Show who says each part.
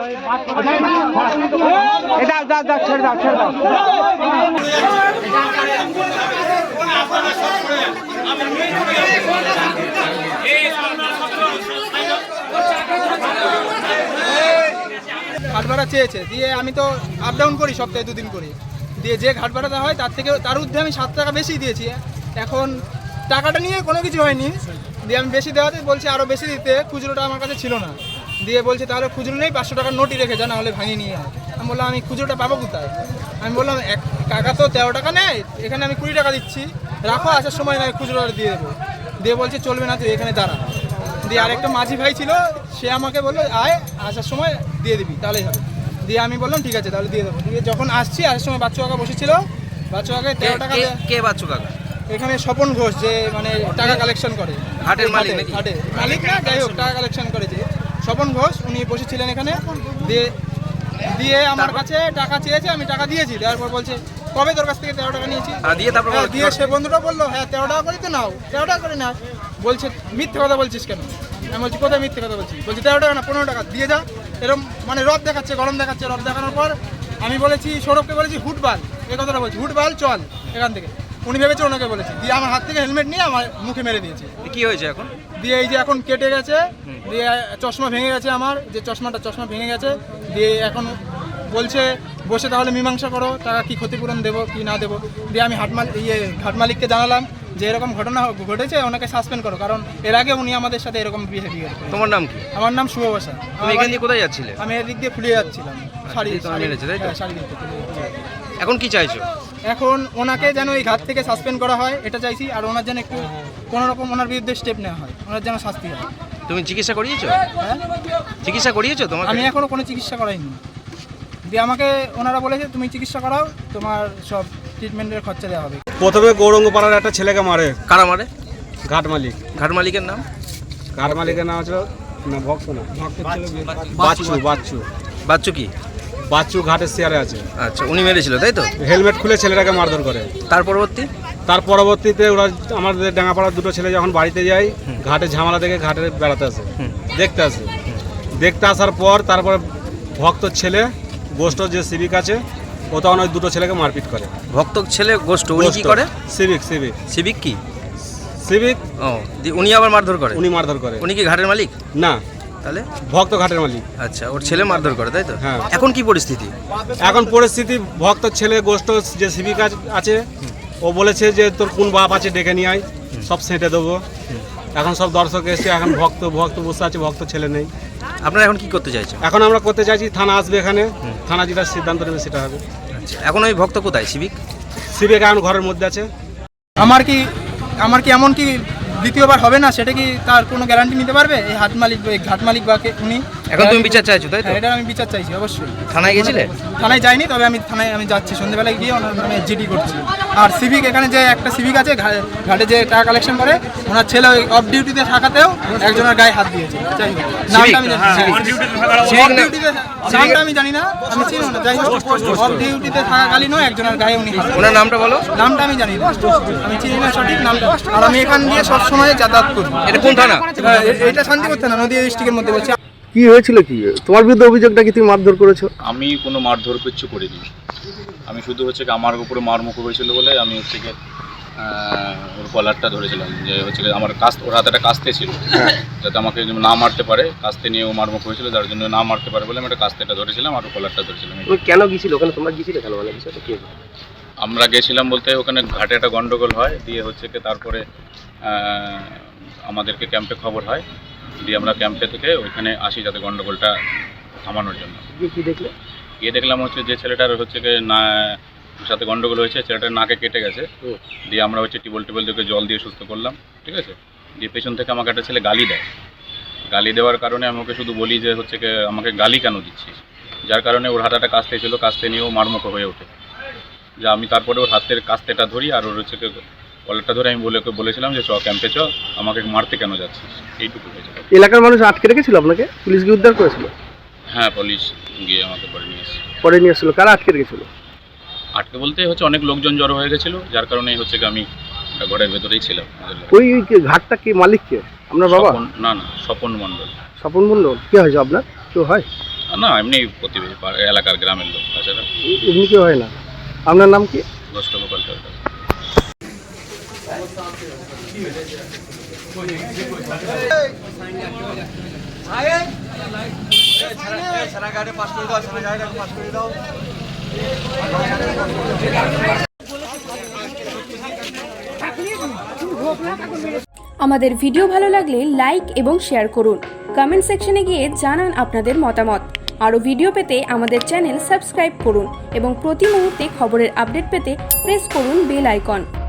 Speaker 1: ছেড়ে দাও ছেড়ে দাও।
Speaker 2: ঘাট ভাড়া চেয়েছে, দিয়ে আমি তো আপ ডাউন করি সপ্তাহে 2 দিন করে, দিয়ে যে ঘাট ভাড়াটা হয় তার ঊর্ধ্বে আমি 7 টাকা বেশি দিয়েছি। এখন টাকাটা নিয়ে কোনো কিছু হয়নি, দিয়ে আমি বেশি দেওয়াতে বলছে আরও বেশি দিতে, খুচরোটা আমার কাছে ছিল না, দিয়ে বলছে তাহলে খুচরো নেই 500 টাকার নোটই রেখে যা, না হলে ভাঙিয়ে নিয়ে হয়। আমি বললাম আমি খুচরোটা পাবো কোথায়? আমি বললাম টাকা তো 13 টাকা নেয়, এখানে আমি 20 টাকা দিচ্ছি, রাখো, আসার সময় না খুচরোটা দিয়ে দেবো। দিয়ে বলছে চলবে না, তুই এখানে দাঁড়া। দিয়ে আরেকটা মাঝি ভাই ছিল, সে আমাকে বললো আয়, আসার সময় দিয়ে দিবি তাহলেই হবে। দিয়ে আমি বললাম ঠিক আছে তাহলে দিয়ে দেবো। দিয়ে যখন আসছি আসার সময় বাচ্চু কাকা বসেছিল, বাচ্চু কাকায় 13 টাকা।
Speaker 3: কে বাচ্চু কাকা?
Speaker 2: এখানে স্বপন ঘোষ, যে মানে টাকা কালেকশন করে,
Speaker 3: ঘাটের মালিক নাকি?
Speaker 2: ঘাটের মালিক না, যাই হোক টাকা কালেকশন করে যে স্বপন ঘোষ, উনি বসেছিলেন এখানে। দিয়ে আমার কাছে টাকা চেয়েছে, আমি টাকা দিয়েছি। দেওয়ার পর বলছে কবে তোর কাছ থেকে 13 টাকা নিয়েছি? দিয়ে সে বন্ধুটা বললো হ্যাঁ 13 টাকা করে তো নাও, 13 টাকা করে না। বলছে মিথ্যে কথা বলছিস কেন? আমি বলছি কোথায় মিথ্যে কথা বলছি? বলছি 13 টাকা না 15 টাকা দিয়ে যা। এরকম মানে রদ দেখাচ্ছে, গরম দেখাচ্ছে। রদ দেখানোর পর আমি বলেছি সৌরভকে বলেছি হুটবাল, এই কথাটা বলছি, হুটবাল চল এখান থেকে। উনি ভেবেছে ওনাকে বলেছি, দিয়ে আমার হাত থেকে হেলমেট নিয়ে আমার মুখে মেরে দিয়েছে।
Speaker 3: কি হয়েছে এখন?
Speaker 2: দিয়ে এই যে এখন কেটে গেছে, দিয়ে চশমা ভেঙে গেছে, আমার যে চশমা ভেঙে গেছে। দিয়ে এখন বলছে বসে তাহলে মীমাংসা করো, টাকা কি ক্ষতিপূরণ দেবো কি না দেবো। দিয়ে আমি ঘাট মালিককে জানালাম যে এরকম ঘটনা ঘটেছে, ওনাকে সাসপেন্ড করো, কারণ এর আগে উনি আমাদের সাথে এরকম বিহেভিয়ার করে।
Speaker 3: তোমার নাম কি?
Speaker 2: আমার নাম শুভ বসা।
Speaker 3: তুমি এখান দিয়ে কোথায় যাচ্ছিলে?
Speaker 2: আমি এদিক দিয়ে ফুলিয়ে যাচ্ছিলাম, শাড়ি
Speaker 3: মেরেছে তাই তো?
Speaker 2: শাড়ি দিতে।
Speaker 3: এখন কি চাইছো?
Speaker 2: এখন ওনাকে যেন এই ঘাট থেকে সাসপেন্ড করা হয় এটা চাইছি, আর ওনার যেন একটু কোনো রকম ওনার বিরুদ্ধে স্টেপ নেওয়া হয়, ওনার যেন শাস্তি হয়।
Speaker 3: তুমি চিকিৎসা করিয়েছো?
Speaker 2: হ্যাঁ,
Speaker 3: চিকিৎসা করিয়েছো তোমাকে?
Speaker 2: আমি এখনো কোনো চিকিৎসা করাইনি। দিয়ে আমাকে ওনারা বলেছে তুমি চিকিৎসা করাও, তোমার সব ট্রিটমেন্টের খরচা দেওয়া হবে।
Speaker 4: প্রথমে গৌরঙ্গপাড়ার একটা ছেলেকে মারে।
Speaker 3: কারা মারে?
Speaker 4: ঘাট মালিক।
Speaker 3: ঘাট মালিকের নাম?
Speaker 4: ঘাট মালিকের নাম হচ্ছে না ভক্ত না, বাচ্চু। বাচ্চু
Speaker 3: বাচ্চু কি?
Speaker 4: বাচ্চু ঘাটের শেয়ারে আছে।
Speaker 3: আচ্ছা, উনি মেরেছিল তাই তো?
Speaker 4: হেলমেট খুলে ছেলেটাকে মারধর করে।
Speaker 3: তার
Speaker 4: পরবর্তীতে ওরা আমাদের ডাঙ্গাপাড়ার 2টো ছেলে যখন বাড়িতে যায়, ঘাটে ঝামেলা দেখে ঘাটে বেড়াতে আসে, দেখতে আসার পর তারপরে ভক্ত ছেলে গোষ্ঠ যে সিভিক আছে, ও তখন ওই 2টো ছেলেকে মারপিট করে।
Speaker 3: ভক্ত ছেলে গোষ্ঠ, উনি কি করে?
Speaker 4: সিভিক
Speaker 3: কি? ও, উনি আবার মারধর করে?
Speaker 4: উনি মারধর করে।
Speaker 3: উনি কি ঘাটের মালিক?
Speaker 4: না,
Speaker 3: তাহলে
Speaker 4: ভক্ত ঘাটের মালিক।
Speaker 3: আচ্ছা, ওর ছেলে মারধর করে তাই তো?
Speaker 4: হ্যাঁ।
Speaker 3: এখন কি পরিস্থিতি?
Speaker 4: এখন পরিস্থিতি ভক্ত ছেলে গোষ্ঠ যে সিভিক আছে, ও বলেছে যে তোর কোন বাপ আছে ডেকে নিয়ে আয়, সব সেঁটে দেবো। এখন সব দর্শক এসে, এখন ভক্ত বসে আছে, ভক্ত ছেলে নেই।
Speaker 3: আপনারা এখন কি করতে চাইছেন?
Speaker 4: এখন আমরা করতে চাইছি থানা আসবে, এখানে থানা যেটা সিদ্ধান্ত নেবে সেটা হবে।
Speaker 3: আচ্ছা, এখন ওই ভক্ত কোথায়? সিভিক
Speaker 4: এখন ঘরের মধ্যে আছে।
Speaker 2: আমার কি এমন কি দ্বিতীয়বার হবে না, সেটা কি তার কোনো গ্যারান্টি নিতে পারবে এই ঘাট মালিক বা উনি?
Speaker 3: এখন তুমি বিচার চাইছো তাই তো?
Speaker 2: এটা আমি বিচার চাইছি অবশ্যই।
Speaker 3: থানায় গেছিলে?
Speaker 2: থানায় যাইনি, তবে আমি যাচ্ছি সন্ধ্যেবেলায় গিয়ে ওনার নামে জিডি করছি। আর সিভিক, এখানে যে একটা সিভিক আছে ঘাটে যে টাকা কালেকশন করে, ওনার ছেলে ওই অফ ডিউটিতে থাকাতেও একজনের গায়ে হাত দিয়েছে। যাই হোক, নামটা আমি জানি না, আমি চিনি না। যাই হোক, অফ ডিউটিতে থাকাকালীনও একজনের গায়ে উনি হাত।
Speaker 3: ওনার নামটা বলো।
Speaker 2: নামটা আমি জানি না, আমি চিনি না সঠিক নামটা। আর আমি এখান দিয়ে সবসময় যাতায়াত করি।
Speaker 3: এটা কোন থানা?
Speaker 2: এটা শান্তিপুর থানা, নদীয়া ডিস্ট্রিক্টের মধ্যে বলছি।
Speaker 5: কি হয়েছিল, কি তোমার বিরুদ্ধে অভিযোগটা কি তুমি মারধর করেছো?
Speaker 6: আমি কোনো মারধর কিছু করিনি। আমি শুধু হচ্ছে কি আমার উপরে মারমুখ হয়েছিল বলে আমি হচ্ছে কি ওর কলারটা ধরেছিলাম, যে হচ্ছে আমার ওর হাতে একটা কাস্তে ছিল, যাতে আমাকে না মারতে পারে। কাস্তে নিয়ে ও মারমুখ হয়েছিল, যার জন্য না মারতে পারে বলে আমি একটা কাস্তেটা ধরেছিলাম আর কলারটা ধরেছিলাম।
Speaker 5: কেন গিয়েছিল ওখানে? তোমরা গিয়েছিলে কেন? মানে বিষয়টা কি?
Speaker 6: আমরা গেছিলাম বলতে ওখানে ঘাটে একটা গন্ডগোল হয়, দিয়ে হচ্ছে কি তারপরে আমাদেরকে ক্যাম্পে খবর হয়, দিয়ে আমরা ক্যাম্পে থেকে ওইখানে আসি যাতে গন্ডগোলটা থামানোর জন্য।
Speaker 5: কি দেখলে?
Speaker 6: দেখলাম হচ্ছে যে ছেলেটার হচ্ছে কি না সাথে গন্ডগোল হয়েছে, ছেলেটার নাকে কেটে গেছে। দিয়ে আমরা হচ্ছে টিবল থেকে জল দিয়ে সুস্থ করলাম, ঠিক আছে। দিয়ে পেছন থেকে আমাকে একটা ছেলে গালি দেয়। গালি দেওয়ার কারণে আমি ওকে শুধু বলি যে হচ্ছে কি আমাকে গালি কেন দিচ্ছিস, যার কারণে ওর হাতে একটা কাস্তে ছিল, কাস্তে নিয়েও মারমুখো হয়ে ওঠে। যে আমি তারপরে ওর হাতের কাস্তেটা ধরি আর ওর হচ্ছে কলারটা ধরে আমি বলেছিলাম যে চ ক্যাম্পে চ, আমাকে মারতে কেন যাচ্ছিস, এইটুকু হয়েছিল।
Speaker 5: এলাকার মানুষ আটকে রেখেছিল আপনাকে? পুলিশ গিয়ে উদ্ধার করেছিল?
Speaker 6: হ্যাঁ, পুলিশ গিয়ে আমাকে
Speaker 5: পরে নিয়ে এসেছিল। কারা আটকে রেখেছিল?
Speaker 6: আটকে বলতে হচ্ছে অনেক লোকজন জড়ো হয়ে গেছিলো, যার কারণে হচ্ছে কি আমি ঘরের ভেতরেই ছিলাম।
Speaker 5: ওই ঘাটটা কি মালিক কে? আপনার বাবা?
Speaker 6: না, স্বপন মণ্ডল।
Speaker 5: স্বপন মণ্ডল কি হয়েছে আপনার? কেউ হয়?
Speaker 6: না এমনি প্রতিবেশী এলাকার গ্রামের লোক তাছাড়া
Speaker 5: এমনি কেউ হয় না। আপনার নাম কি?
Speaker 6: গোষ্ঠ গোপাল সরকার।
Speaker 1: আমাদের ভিডিও ভালো লাগলে লাইক এবং শেয়ার করুন। কমেন্ট সেকশনে গিয়ে জানান আপনাদের মতামত। আরও ভিডিও পেতে আমাদের চ্যানেল সাবস্ক্রাইব করুন এবং প্রতি মুহূর্তে খবরের আপডেট পেতে প্রেস করুন বেল আইকন।